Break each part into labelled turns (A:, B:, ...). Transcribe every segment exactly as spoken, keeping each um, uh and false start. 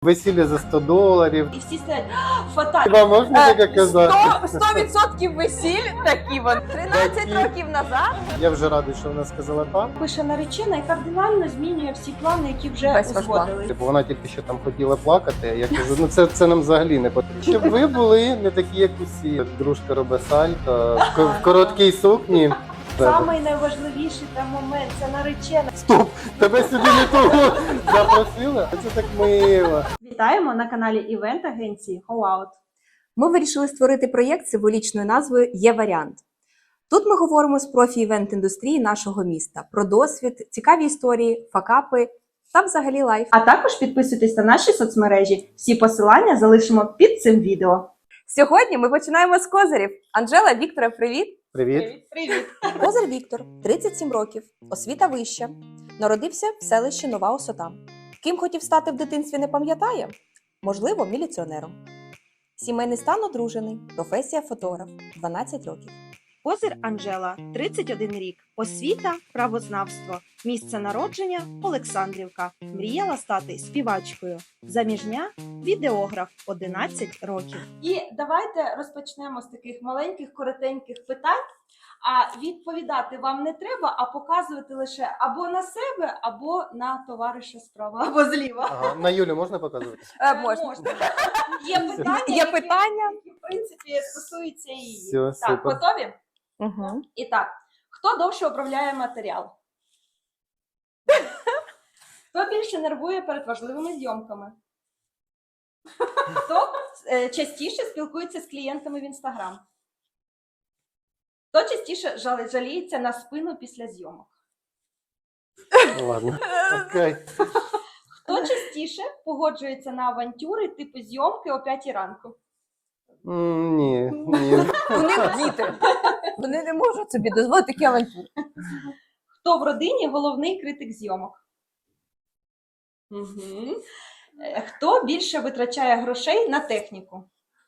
A: Весілля за сто доларів.
B: І всі стоять, фата.
A: Хіба можна таке казати?
C: сто відсотків весіль такі вон. тринадцять
A: Такі.
C: років назад.
A: Я вже радий, що вона сказала так.
B: Пише наречена і кардинально змінює всі плани, які вже
C: Весь ваш план.
B: узгодили.
A: Типу вона тільки що там хотіла плакати, я кажу, ну це, це нам взагалі не потрібно. Щоб ви були не такі, як усі. Дружка робить сальто, в ко- в короткій сукні.
B: Самий найважливіший там момент це наречена.
A: Стоп! Тебе сюди не того запросили? Це так мило.
B: Вітаємо на каналі івент агенції HowOut.
C: Ми вирішили створити проєкт з символічною назвою «Є варіант». Тут ми говоримо з профі івент-індустрії нашого міста про досвід, цікаві історії, факапи та взагалі лайф.
B: А також підписуйтесь на наші соцмережі. Всі посилання залишимо під цим відео.
C: Сьогодні ми починаємо з козирів. Анжела, Віктора, привіт!
A: Привіт.
B: Привіт.
C: Козир Віктор, тридцять сім років, освіта вища. Народився в селищі Нова Осота. Ким хотів стати в дитинстві, не пам'ятає? Можливо, міліціонером. Сімейний стан одружений, професія фотограф, дванадцять років.
B: Козир Анжела, тридцять один рік. Освіта, правознавство. Місце народження – Олександрівка. Мріяла стати співачкою. Заміжня – відеограф, одинадцять років. І давайте розпочнемо з таких маленьких, коротеньких питань. А відповідати вам не треба, а показувати лише або на себе, або на товариша справа, або зліва.
A: Ага. На Юлю можна показувати?
C: Е, можна.
B: Є питання,
C: Є
B: які-
C: питання?
B: які, в принципі, стосуються її.
A: Все,
B: Так,
A: супер.
B: готові?
C: Угу.
B: І так, хто довше обробляє матеріал? Хто більше нервує перед важливими зйомками? Хто е, частіше спілкується з клієнтами в Інстаграм? Хто частіше жал- жаліється на спину після зйомок?
A: Ну, ладно. Окей.
B: Хто частіше погоджується на авантюри типу зйомки о п'ятій ранку?
A: М, Ні, ні.
C: Вони діти. Вони не можуть собі дозволити такі авантюри.
B: Хто в родині головний критик зйомок? Угу. Хто більше витрачає грошей на техніку?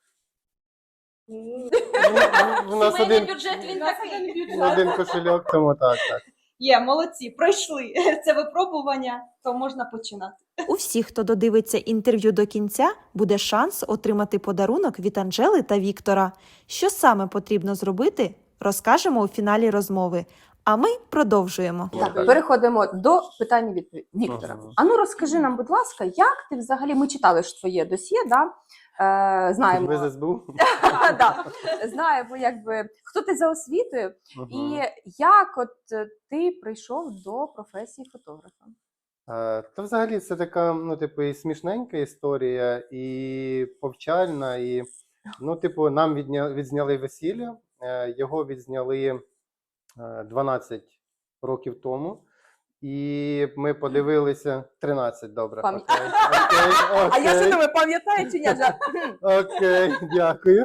A: Ну, У нас
B: Сімейний
A: один,
B: бюджет він такий.
A: один кошельок, тому так, так.
B: Є, молодці, пройшли це випробування, то можна починати.
D: У всіх, хто додивиться інтерв'ю до кінця, буде шанс отримати подарунок від Анжели та Віктора. Що саме потрібно зробити, розкажемо у фіналі розмови. А ми продовжуємо.
A: Ну,
C: Так,
A: так.
C: переходимо до питання від Віктора.
A: Ага.
C: А ну розкажи нам, будь ласка, як ти взагалі, ми читали ж твоє досьє, да? Е, знаємо,
A: Ви з СБУ?
C: да, знаємо, якби, хто ти за освітою,
A: Мгм.
C: і як от е, ти прийшов до професії фотографа?
A: Е, Та взагалі це така, ну, типу, і смішненька історія, і повчальна, і, ну, типу, нам відня... відзняли весілля, е, його відзняли е, дванадцять років тому, і ми подивилися, тринадцять, добре.
C: Пам'ят-
A: Окей, окей,
C: А я
A: окей.
C: ще думаю, пам'ятаю чи ні? Вже?
A: Окей, дякую.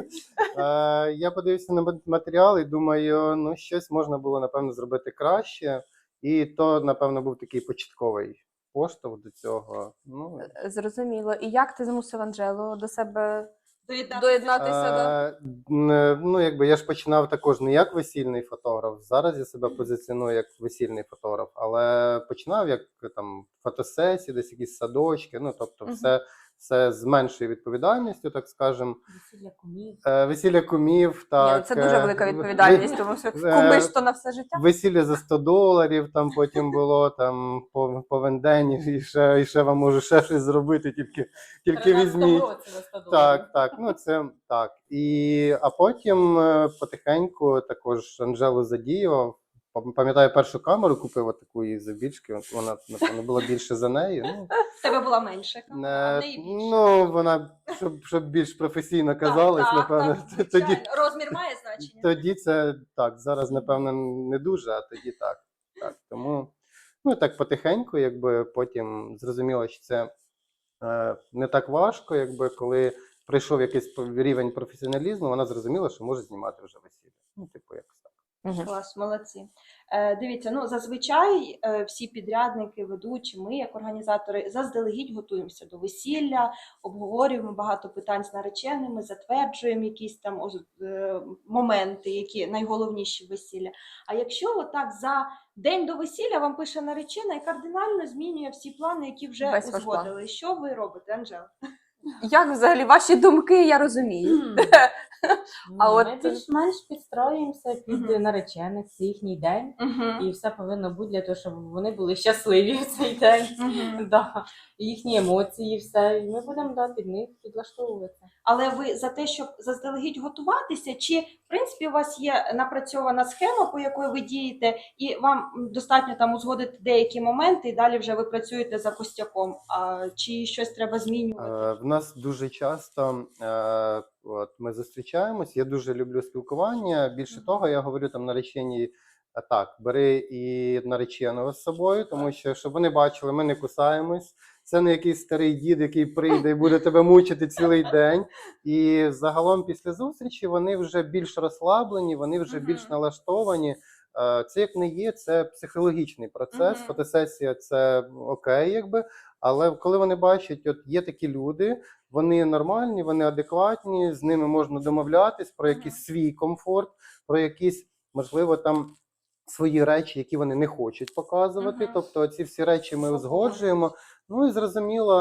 A: Е, я подивився на матеріал і думаю, ну щось можна було, напевно, зробити краще. І то, напевно, був такий початковий поштовх до цього. Ну,
C: Зрозуміло. І як ти змусив Анжелу до себе
B: Доєднатися.
C: доєднатися до...
A: е, н- ну, якби я ж починав також не як весільний фотограф. Зараз я себе позиціоную як весільний фотограф, але починав як там фотосесії, десь якісь садочки. Ну, тобто,
C: Мгм.
A: все, все з меншою відповідальністю, так скажемо.
B: Весілля кумів.
A: Е, Весілля кумів, так.
C: Ні, це дуже
A: е,
C: велика
A: ви-
C: відповідальність, тому що
A: е,
C: кумиш то на все життя.
A: Весілля за сто доларів, там потім було там по, по вендені, і ще, і ще вам можу ще щось зробити, тільки, тільки візьміть. Так, так, ну це так. І, а потім е, потихеньку також Анжелу задіював. Пам- Пам'ятаю, першу камеру купив отаку її завбільшки, вона, напевно, була більше за неї. Ну,
B: В тебе була менша камера, а в
A: е,
B: неї більше.
A: ну вона, щоб, щоб більш професійно казалось,
B: Так,
A: напевно,
B: так,
A: тоді,
B: звичайно. Розмір має значення.
A: тоді це так, зараз, напевно, не дуже, а тоді так. так. Тому, ну так потихеньку, якби потім зрозуміло, що це е, не так важко, якби коли прийшов якийсь рівень професіоналізму, вона зрозуміла, що може знімати вже весілля. Ну, типу, якось так.
C: Мгм.
B: Клас, молодці. Е, дивіться, ну зазвичай е, всі підрядники, ведучі, ми, як організатори, заздалегідь готуємося до весілля, обговорюємо багато питань з нареченими, затверджуємо якісь там оз- е, моменти, які найголовніші в весілля. А якщо отак за день до весілля вам пише наречена і кардинально змінює всі плани, які вже
C: Весь ваш план.
B: узгодили, що ви робите, Анжела?
C: Як взагалі ваші думки, я розумію. А
E: Ні,
C: от-
E: ми більш-менш підстроюємося під
B: Мгм.
E: наречених, це їхній день, і
B: Угу.
E: все повинно бути для того, щоб вони були щасливі в цей день. Да. І їхні емоції, все. І ми будемо да, під них підлаштовуватися.
B: Але ви за те, щоб заздалегідь готуватися, чи в принципі у вас є напрацьована схема, по якої ви дієте, і вам достатньо там узгодити деякі моменти, і далі вже ви працюєте за костяком? А чи щось треба змінювати?
A: Е, В нас дуже часто е, от, ми зустрічаємось. Я дуже люблю спілкування. Більше
B: Мгм.
A: того, я говорю там нареченій, а так, бери і нареченого з собою, тому що щоб вони бачили, ми не кусаємось. Це не якийсь старий дід, який прийде і буде тебе мучити цілий день. І загалом після зустрічі вони вже більш розслаблені, вони вже
B: Мгм.
A: більш налаштовані. Е, Це як не є, це психологічний процес.
B: Мгм.
A: Фотосесія це окей, якби. Але коли вони бачать, от є такі люди, вони нормальні, вони адекватні, з ними можна домовлятись про якийсь свій комфорт, про якісь, можливо, там свої речі, які вони не хочуть показувати.
B: Мгм.
A: Тобто ці всі речі ми
B: Свобода.
A: узгоджуємо. Ну і зрозуміло,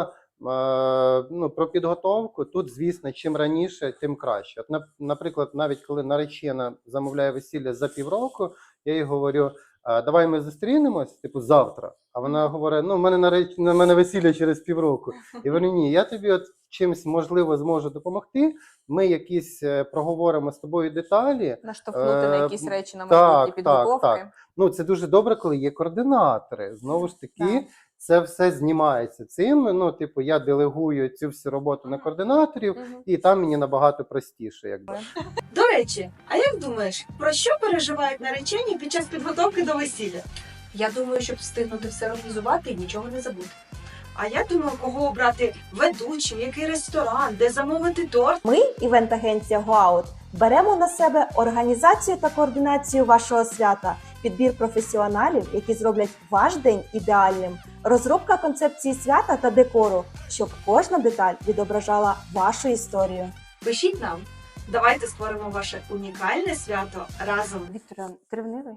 A: е, ну, про підготовку тут, звісно, чим раніше, тим краще. От, нап- наприклад, навіть коли наречена замовляє весілля за півроку, я їй говорю, «А, давай ми зустрінемось, типу, завтра. А вона говорить, ну, в мене нареч... на мене весілля через півроку. І говорю, ні, я тобі от чимось, можливо, зможу допомогти. Ми якісь е, проговоримо з тобою деталі.
C: Наштовхнути на
A: Е,
C: якісь речі на
A: так,
C: майбутні
A: так,
C: підготовки.
A: так. Ну, це дуже добре, коли є координатори. Знову ж таки,
C: Так.
A: це все знімається цим. Ну, типу, я делегую цю всю роботу на координаторів,
C: Мгм.
A: і там мені набагато простіше, якби.
B: До речі, а як думаєш, про що переживають наречені під час підготовки до весілля?
F: Я думаю, щоб встигнути все організувати і нічого не забути.
B: А я думаю, кого обрати ведучим, який ресторан, де замовити торт.
C: Ми, івент-агенція GoOut, беремо на себе організацію та координацію вашого свята, підбір професіоналів, які зроблять ваш день ідеальним, розробка концепції свята та декору, щоб кожна деталь відображала вашу історію.
F: Пишіть нам.
B: Давайте створимо ваше унікальне свято разом.
C: Віктор, ти ревнивий?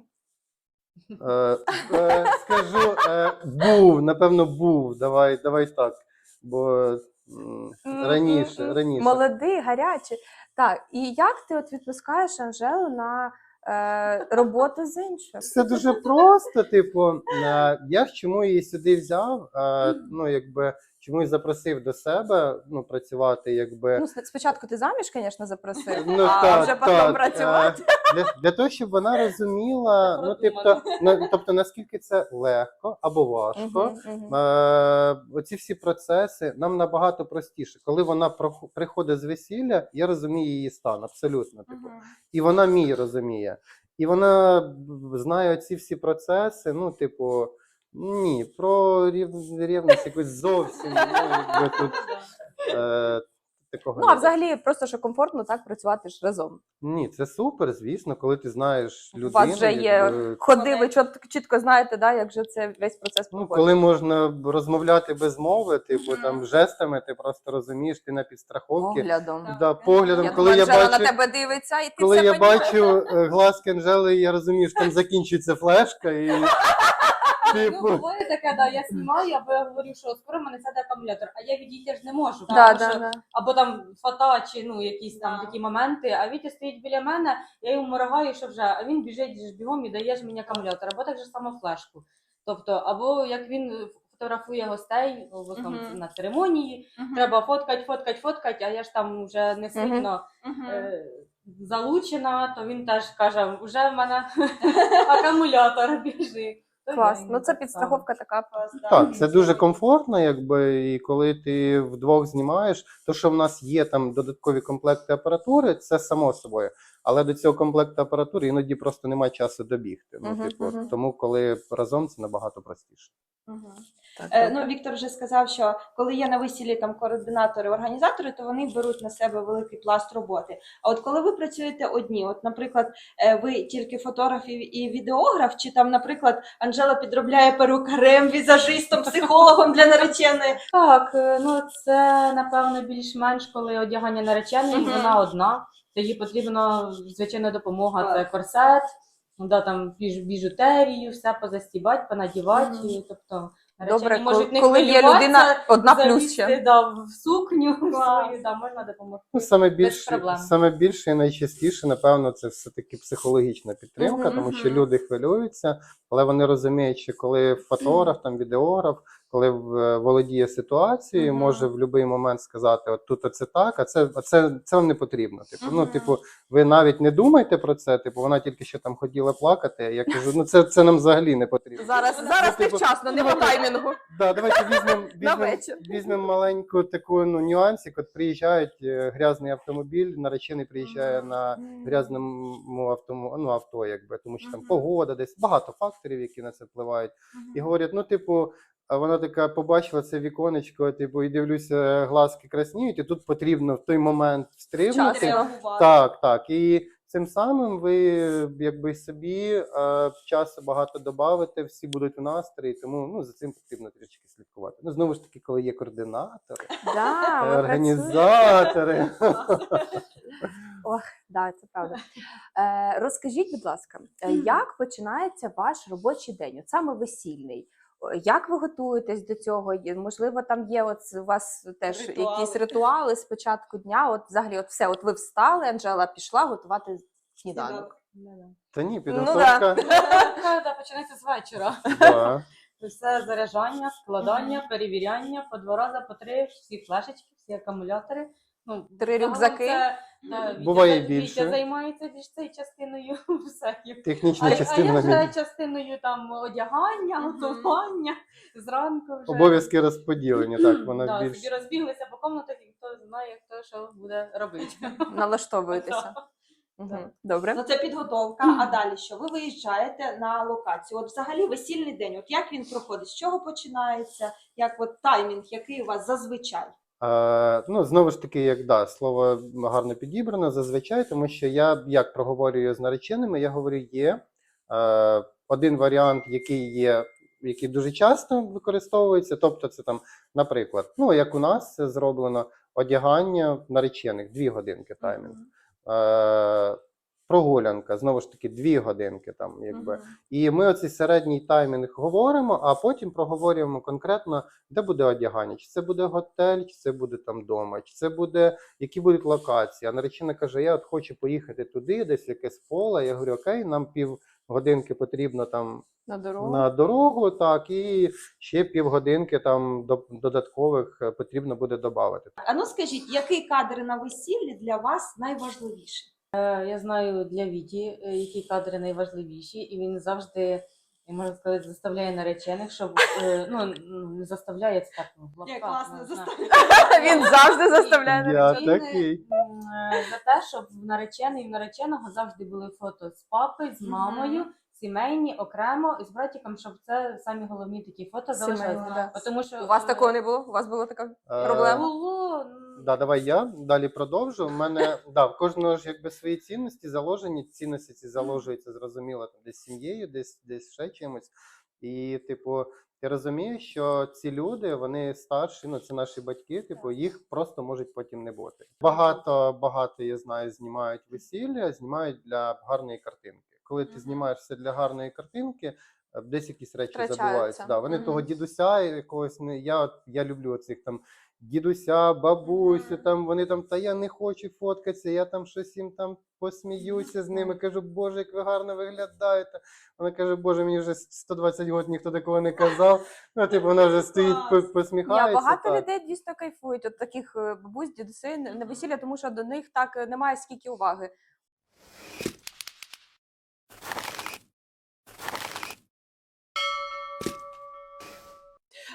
A: Е, е, скажу, е, був, напевно, був. Давай, давай так. Бо м, раніше, раніше.
C: Молодий, гарячий. Так, і як ти от відпускаєш Анжелу на е, роботу з іншим?
A: Це дуже просто. Типу, е, я ж чому її сюди взяв? Е, ну, якби чому і запросив до себе ну, працювати, якби.
C: Ну, спочатку ти заміж, звісно, запросив,
A: Ну,
C: а
A: так,
C: вже потім
A: так,
C: працювати.
A: е, Для, для того, щоб вона розуміла, ну, тобто, на, тобто, наскільки це легко або важко.
C: Мгм, мгм.
A: Е, оці всі процеси нам набагато простіше. Коли вона прох- приходить з весілля, я розумію її стан, абсолютно. Типу. І вона мій розуміє. І вона б- знає ці всі процеси, ну, типу, ні, про рів- рівність якось зовсім ну, якби тут, е, такого
C: Ну,
A: не
C: а взагалі, просто що комфортно так працювати ж разом.
A: Ні, це супер, звісно, коли ти знаєш
C: У
A: людину.
C: вас вже є
A: якби,
C: ходи, ви чот- чітко знаєте, да, як же це весь процес
A: ну,
C: проходить.
A: коли можна розмовляти без мови, типу там жестами, ти просто розумієш, ти на підстраховці.
C: Поглядом.
A: Да, поглядом,
C: Я
A: коли
C: думаю,
A: я
C: Анжела
A: бачу,
C: на тебе дивиться, і ти
A: коли
C: все
A: я
C: понімаєш.
A: бачу е, глазки Анжели, я розумію, що там закінчується флешка, і
E: Ну,
A: типу.
E: буває таке, да, я знімаю, або я говорю, що скоро в мене сяде акумулятор, а я відійти ж не можу.
C: Да,
E: тому
C: да,
E: що-
C: да.
E: Або там фата, чи ну, якісь там
B: Да.
E: такі моменти, а Вітя стоїть біля мене, я йому моргаю, що вже, а він біжить ж бігом і дає ж мені акумулятор, або так же само флешку. Тобто, або як він фотографує гостей, в основному
B: Мгм.
E: на церемонії, треба фоткать, фоткать, фоткать, а я ж там вже не сильно е, залучена, то він теж каже, вже в мене акумулятор біжить. той
C: Клас.
E: день
C: Ну це
E: так
C: підстраховка така.
A: Так, це дуже комфортно, якби, і коли ти вдвох знімаєш, то, що в нас є там додаткові комплекти апаратури, це само собою. Але до цього комплекту апаратури іноді просто немає часу добігти. Ну,
C: Мгм,
A: типу,
C: мгм.
A: тому коли разом це набагато простіше.
B: Мгм.
C: Так,
B: Е,
C: добре.
B: ну, Віктор вже сказав, що коли є на весіллі там координатори, організатори, то вони беруть на себе великий пласт роботи. А от коли ви працюєте одні, от, наприклад, е, ви тільки фотограф і- і відеограф, чи там, наприклад, Анжела підробляє перукарем, візажистом, психологом для нареченої.
E: Так, е, ну це напевно більш-менш, коли одягання нареченої,
B: Мгм.
E: вона одна. Тоді потрібна звичайна допомога. Це
B: Так.
E: корсет, ну, да, там біж, біжутерію, все позастібати, понадівати.
B: Мгм.
E: Тобто наречені
C: Добре,
E: можуть не
C: коли є
E: хвилюватися,
C: людина одна плюс
E: залізти,
C: ще.
E: да, в сукню
B: Клас.
E: свою, да, можна допомогти.
A: Ну, саме
E: Без
A: більше,
E: проблем.
A: саме більше і найчастіше, напевно, це все-таки психологічна підтримка,
C: Мгм,
A: тому що
B: мгм.
A: люди хвилюються, але вони розуміють, що коли фотограф, там відеограф, коли в- володіє ситуацією,
B: Мгм.
A: може в будь-який момент сказати, от тут оце так, а це, а це, це вам не потрібно. Типу, ну,
B: Мгм.
A: типу, ви навіть не думайте про це, типу, вона тільки що там хотіла плакати, я кажу, ну це, це нам взагалі не потрібно.
C: Зараз, зараз
A: Ну, типу,
C: невчасно, не по таймінгу.
A: Да, давайте візьмемо
C: На
A: візьмем,
C: вечір.
A: візьмем маленьку таку ну, нюансик. От приїжджають е, грязний автомобіль, наречений приїжджає на грязному автому, ну, авто, якби, тому що там
B: Мгм.
A: погода, десь багато факторів, які на це впливають. І говорять, ну, типу, а вона така побачила це віконечко, типу, і дивлюся, глазки красніють, і тут потрібно в той момент встрибнути.
C: Вчасно.
A: Так, так. І цим самим ви якби собі е, часу багато додавите, всі будуть в настрої, тому ну, за цим потрібно трішки слідкувати. Ну, знову ж таки, коли є координатори,
C: Да,
A: е,
C: ми
A: організатори.
C: Ох, да, це правда. Е, розкажіть, будь ласка, е, як починається ваш робочий день, от саме весільний? О, Як ви готуєтесь до цього? Є- Можливо, там є от у вас теж
B: Ритуали.
C: якісь ритуали з початку дня. От взагалі, от все, от ви встали, Анжела пішла готувати сніданок.
E: Да-да.
A: Та ні,
C: Ну,
A: підготовка.
E: Та, да, починається з вечора.
A: Да.
E: Все заряджання, складання, перевіряння, по два рази, по три, всі флешечки, всі акумулятори. Ну,
C: Три
E: загалом
C: рюкзаки.
E: Це, та, Вітя,
A: Буває
E: Вітя
A: більше.
E: займається більш цією частиною все. А,
A: Технічна
E: а
A: частина
E: я
A: мені.
E: вже частиною там одягання,
B: Мгм.
E: готування, зранку вже.
A: Обов'язки розподілені, так, вона
E: Да,
A: більш.
E: собі розбіглися по комнатах, і хто знає, хто що буде робити.
C: Налаштовуєтеся. Угу.
E: Так.
C: Добре.
B: Ну, це підготовка. А далі що? Ви виїжджаєте на локацію. От взагалі весільний день. От як він проходить? З чого починається? Як от таймінг, який у вас зазвичай?
A: Е, ну, знову ж таки, як да, слово гарно підібрано зазвичай, тому що я як проговорюю з нареченими, я говорю, є е, один варіант, який є, який дуже часто використовується. Тобто, це там, наприклад, ну як у нас це зроблено одягання наречених, дві годинки таймінг. Е, прогулянка, знову ж таки, дві годинки там, якби. І ми оцей середній таймінг говоримо, а потім проговорюємо конкретно, де буде одягання, чи це буде готель, чи це буде там дома, чи це буде, які будуть локації. А наречена каже, я от хочу поїхати туди, десь в якесь поле. Я говорю, окей, нам півгодинки потрібно там
C: На дорогу.
A: на дорогу, так, і ще півгодинки там до- додаткових е, потрібно буде додати.
B: А ну скажіть, який кадр на весіллі для вас найважливіший?
E: Е, Я знаю для Віті, е, які кадри найважливіші, і він завжди, я можу сказати, заставляє наречених, щоб е, ну не заставляє це так ну, в лапках,
B: Як класно
E: не знаю.
B: заставляє.
C: Він завжди заставляє
A: Я
C: наречених.
A: такий.
E: М, е, За те, щоб в наречений і в нареченого завжди були фото з папою, з
B: Мгм.
E: мамою, сімейні, окремо, і з братиком, щоб це самі головні такі фото
C: Сімейні,
E: залишалися.
C: да.
E: Тому що
C: У вас
E: е,
C: такого не було? У вас була така
A: Е,
C: проблема?
E: було. м,
A: Да, давай я далі продовжу. У мене да, в кожного ж якби свої цінності заложені. Цінності ці заложуються, зрозуміло, там десь сім'єю, десь десь ще чимось. І, типу, ти розумієш, що ці люди, вони старші, ну це наші батьки, типу, їх просто можуть потім не бути. Багато, багато, я знаю, знімають весілля, знімають для гарної картинки. Коли ти
B: Мгм.
A: знімаєш все для гарної картинки, е, десь якісь речі
C: Втрачаються.
A: забуваються. Да, вони
C: Мгм.
A: того дідуся якогось не. Я, от- я люблю оцих там дідуся, бабусю,
B: Мгм.
A: там вони там, та я не хочу фоткатися, я там щось їм там посміюся з ними. Кажу, Боже, як ви гарно виглядаєте. Вона каже, Боже, мені вже сто двадцять років ніхто такого не казав. Ну, типу, вона вже стоїть, по-
B: Клас.
C: Ні,
A: посміхається.
C: а багато
A: так.
C: людей дійсно кайфують от таких е, бабусь, дідусей на на весілля, тому що до них так е, немає скільки уваги.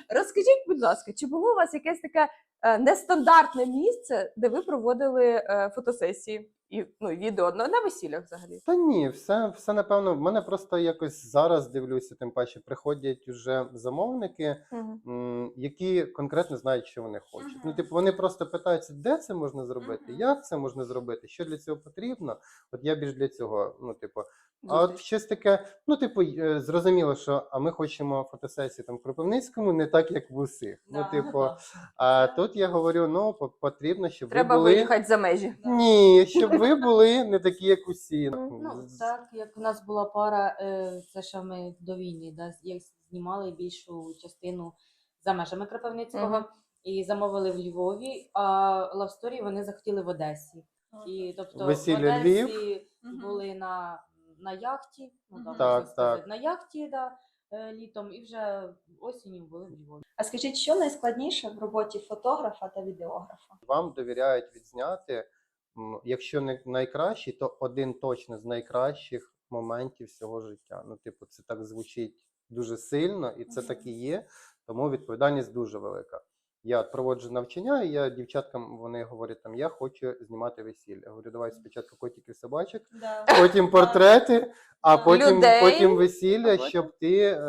C: Розкажіть, будь ласка, чи було у вас якесь таке е, нестандартне місце, де ви проводили е, фотосесії і ну, і відео на, на весіллях взагалі?
A: Та ні, все, все напевно. В мене просто якось зараз дивлюся, тим паче приходять уже замовники,
C: Мгм.
A: м, які конкретно знають, що вони хочуть. Ну,
E: Мгм.
A: типу, вони просто питаються, де це можна зробити,
E: Мгм.
A: як це можна зробити, що для цього потрібно. От я більш для цього, ну, типу, а от
C: Зустріч.
A: щось таке, ну, типу, й- е, зрозуміло, що а ми хочемо фотосесії там в Кропивницькому, не так, як в усіх. Ну,
E: Да.
A: типу, а тут я говорю, ну, по- потрібно, щоб
C: Треба
A: ви були.
C: виїхати за межі.
A: Ні, щоб ви були не такі, як усі.
E: Ну,
A: З-
E: так, як у нас була пара, е, це ще ми до війни, да, з- як знімали більшу частину за межами Кропивницького
C: Мгм.
E: і замовили в Львові, а лавсторі вони захотіли в Одесі. І, тобто,
A: Весілля
E: в Одесі
A: Львів.
E: були на, на яхті, ну, да,
F: Мгм.
E: можна
A: Так,
E: сказати,
A: так.
E: на яхті, да, е, літом, і вже осінню були в Львові.
B: А скажіть, що найскладніше в роботі фотографа та відеографа?
A: Вам довіряють відзняти, м, якщо не найкращий, то один точно з найкращих моментів всього життя. Ну, типу, це так звучить дуже сильно, і це так і є, тому відповідальність дуже велика. Я от проводжу навчання, і я дівчаткам вони говорять, там я хочу знімати весілля. Я говорю, давай спочатку котиків собачок, потім портрети, а
E: Да.
A: потім,
C: Людей.
A: потім весілля,
C: А потім?
A: щоб ти е,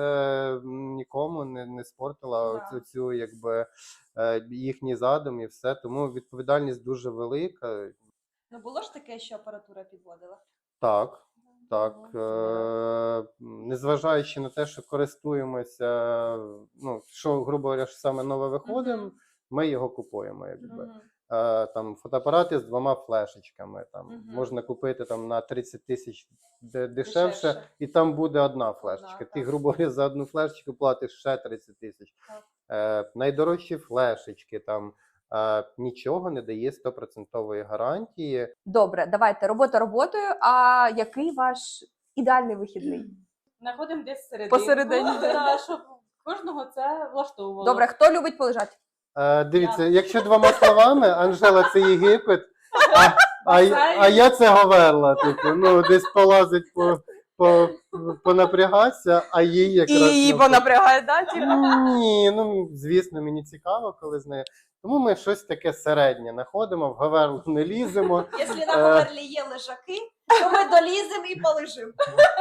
A: м, нікому не, не спортила
B: Да.
A: оцю, цю, якби, е, їхній задум і все. Тому відповідальність дуже велика.
B: Ну було ж таке, що апаратура підводила?
A: Так, так.
E: Ну,
A: Е, незважаючи на те, що користуємося, ну, що, грубо говоря, що саме нове виходимо,
B: Мгм.
A: ми його купуємо, якби.
B: Мгм.
A: Е, там фотоапарати з двома флешечками. Там
B: Мгм.
A: можна купити там на тридцять тисяч де- дешевше,
B: Дешевше.
A: і там буде одна флешечка. Ти,
B: так.
A: грубо говоря, за одну флешечку платиш ще тридцять тисяч.
B: Так.
A: Е, найдорожчі флешечки там е, нічого не дає стопроцентової гарантії.
C: Добре, давайте робота роботою. А який ваш ідеальний вихідний?
E: Знаходимо десь середину.
C: Посередині.
E: Да, щоб кожного це влаштовувало.
C: Добре, хто любить полежати?
A: Е, дивіться,
E: Я.
A: якщо двома словами, Анжела це Єгипет, а, а, й- а я це Говерла. Типу, ну, десь полазить по, по, понапрягатися, а їй якраз. навпаки.
C: понапрягає, да?
A: Ні, ну звісно, мені цікаво, коли з нею. Тому ми щось таке середнє знаходимо, в Говерлу не ліземо.
B: Якщо
A: Е.
B: на Говерлі є лежаки, то ми доліземо і полежимо.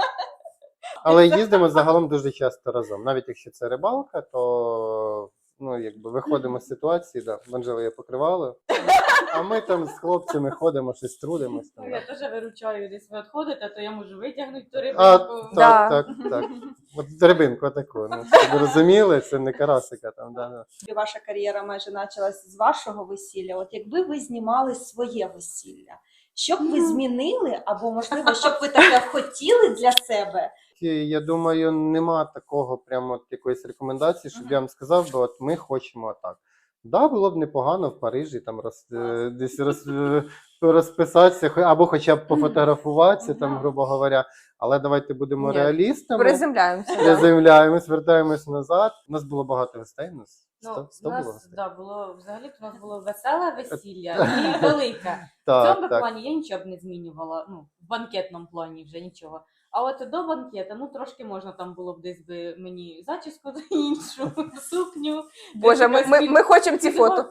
A: Але їздимо загалом дуже часто разом. Навіть якщо це рибалка, то ну, якби виходимо з ситуації, да, в Анжели є покривало, а ми там з хлопцями ходимо, щось трудимось.
E: Ну,
A: Там,
E: я
A: да.
E: теж виручаю, десь ви відходите, то я можу витягнути ту
A: А,
E: рибинку.
C: Да.
A: так, так, так. От рибинку таку. Ну, щоб ви розуміли, це не карасика там. Да, да.
B: І ваша кар'єра майже почалась з вашого весілля. От якби ви знімали своє весілля, що б ви змінили, або можливо, що б ви таке хотіли для себе?
A: І я думаю, нема такого прямо от якоїсь рекомендації, щоб я вам сказав, бо от ми хочемо так. Да, було б непогано в Парижі там роз, е, десь роз, е, розписатися, хо- або хоча б пофотографуватися, там,
E: Ага.
A: грубо говоря. Але давайте будемо
C: Ні,
A: реалістами.
C: Приземляємося. да.
A: Приземляємось, вертаємось назад. У нас було багато гостей. У нас
E: Ну,
A: сто,
E: у
A: сто було
E: нас
A: гостей.
E: да, було взагалі у нас було веселе весілля і велике. В
A: Так,
E: цьому
A: так.
E: плані я нічого б не змінювала. Ну, в банкетному плані вже нічого. А от до банкета, ну трошки можна там було б десь би мені зачіску іншу, сукню.
C: Боже, ми, ми, ми хочемо ці фото.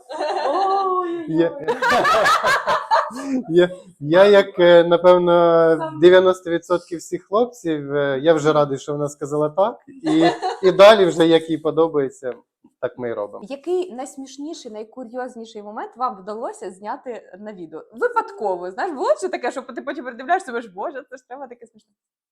A: Я,
E: Ой-ой-ой.
A: я, я, як, е, напевно, дев'яносто відсотків всіх хлопців, е, я вже радий, що вона сказала так. І, і далі, вже як їй подобається, так ми і робимо.
C: Який найсмішніший, найкурйозніший момент вам вдалося зняти на відео? Випадково, знаєш, було що таке, що ти потім передивляєшся, думаєш, боже, це ж треба таке смішне.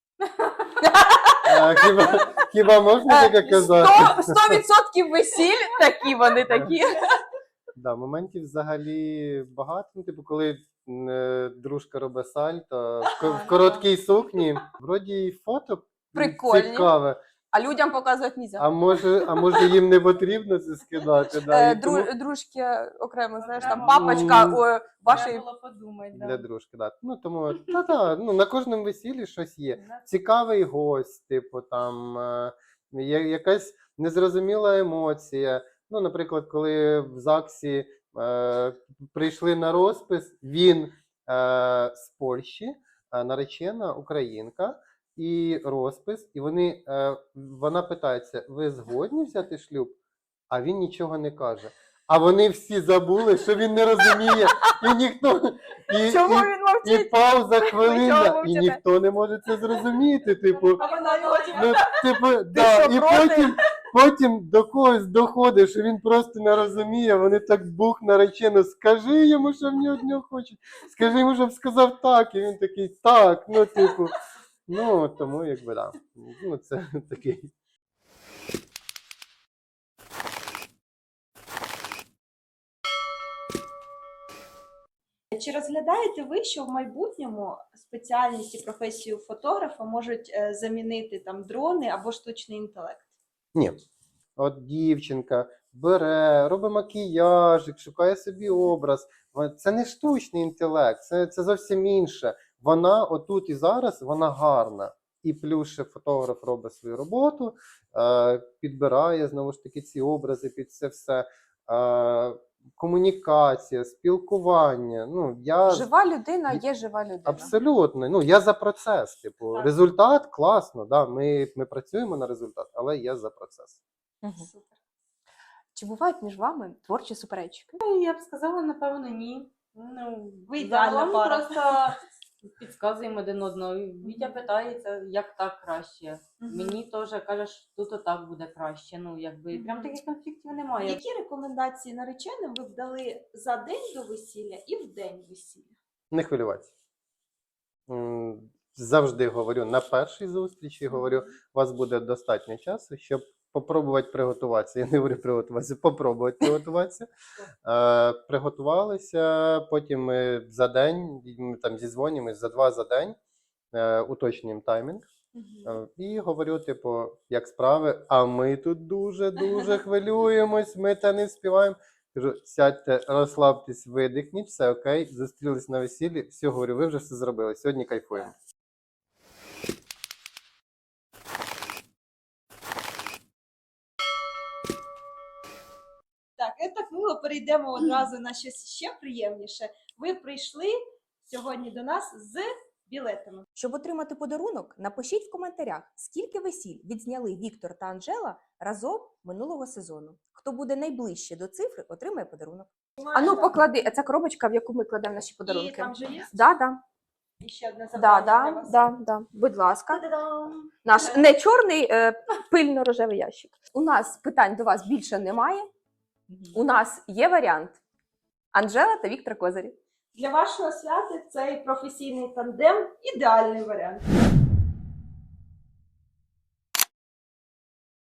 A: А, хіба, хіба можна таке казати?
C: Сто- Сто відсотків весіль, такі вони такі.
A: Да, моментів взагалі багато. Ну, типу, коли м, е, дружка робить сальто в, ко- в короткій сукні, вроді й фото
C: Прикольні.
A: цікаве.
C: А людям показувати нельзя.
A: А може, а може їм не потрібно це скидати? Да,
C: Е,
A: і тому-
C: дру- Дружки окремо, знаєш, там
E: Окремо.
C: папочка
A: М.
C: у вашої.
E: Треба було подумати, да.
A: Для дружки, да. Ну тому та та ну на кожному весіллі щось є.
E: Да.
A: Цікавий гость, типу там е, є якась незрозуміла емоція. Ну, наприклад, коли в ЗАГСі е, прийшли на розпис, він е, з Польщі, е, наречена українка, і розпис, і вони е, вона питається: ви згодні взяти шлюб? а він нічого не каже. А вони всі забули, що він не розуміє, і ніхто і,
C: Чому
A: і,
C: він
A: і
C: мовчить?
A: пауза
C: чого
A: хвилина, і
C: мовчите?
A: ніхто не може це зрозуміти. Типу,
C: А вона його
A: ну, типу, да,
C: що,
A: і
C: проти?
A: потім, потім до когось доходить, що він просто не розуміє. Вони так бух наречено, скажи йому, що в нього нього хочуть. Скажи йому, щоб сказав так. І він такий, так, ну, типу. Ну, тому, якби, да. Ну, це такий.
B: Чи розглядаєте ви, що в майбутньому спеціальність і професію фотографа можуть е, замінити там дрони або штучний інтелект?
A: Ні. От дівчинка бере, робить макіяжик, шукає собі образ. Це не штучний інтелект, це, це зовсім інше. Вона отут і зараз, вона гарна. І плюс ще фотограф робить свою роботу, е, підбирає, знову ж таки, ці образи під це все. Е, комунікація, спілкування. Ну, я...
C: Жива людина є жива людина.
A: Абсолютно. Ну, я за процес. Типу,
B: Так.
A: результат класно, да, ми, ми працюємо на результат, але я за процес.
C: Мгм. Чи бувають між вами творчі суперечки?
E: Ну, я б сказала, напевно, ні. Ну,
B: Ви ідеальна
E: загалом
B: пара.
E: просто підказуємо один одного. Вітя питається, як так краще.
B: Мгм.
E: Мені теж каже, що тут отак буде краще. Ну, якби, і прям
B: Мгм.
E: таких конфліктів немає.
B: Які рекомендації нареченим ви б дали за день до весілля і в день весілля?
A: Не хвилюватися. М, Завжди говорю на першій зустрічі, говорю, у вас буде достатньо часу, щоб попробувати приготуватися. Я не говорю приготуватися, попробувати приготуватися. Е, приготувалися, потім ми за день, ми там зізвонюємось за два за день, е, уточнюємо таймінг. Е, І говорю, типу, як справи, а ми тут дуже-дуже хвилюємось, ми та не вспіваємо. Кажу, сядьте, розслабтесь, видихніть, все окей, зустрілись на весіллі, все, говорю, ви вже все зробили, сьогодні кайфуємо.
B: Так, і так мило перейдемо одразу на щось ще приємніше. Ви прийшли сьогодні до нас з білетами.
C: Щоб отримати подарунок, напишіть в коментарях, скільки весіль відзняли Віктор та Анжела разом минулого сезону. Хто буде найближче до цифри, отримає подарунок. А ну поклади, а ця коробочка, в яку ми кладемо наші
B: І
C: подарунки.
B: там же є
C: Да, да,
B: і ще одне
C: да,
B: завдання для
C: да,
B: вас.
C: да, да. Будь ласка.
B: Та-дам!
C: Наш не чорний, е, пильно-рожевий ящик. У нас питань до вас більше немає. У нас є варіант Анжела та Віктор Козирі.
B: Для вашого свята цей професійний тандем ідеальний варіант.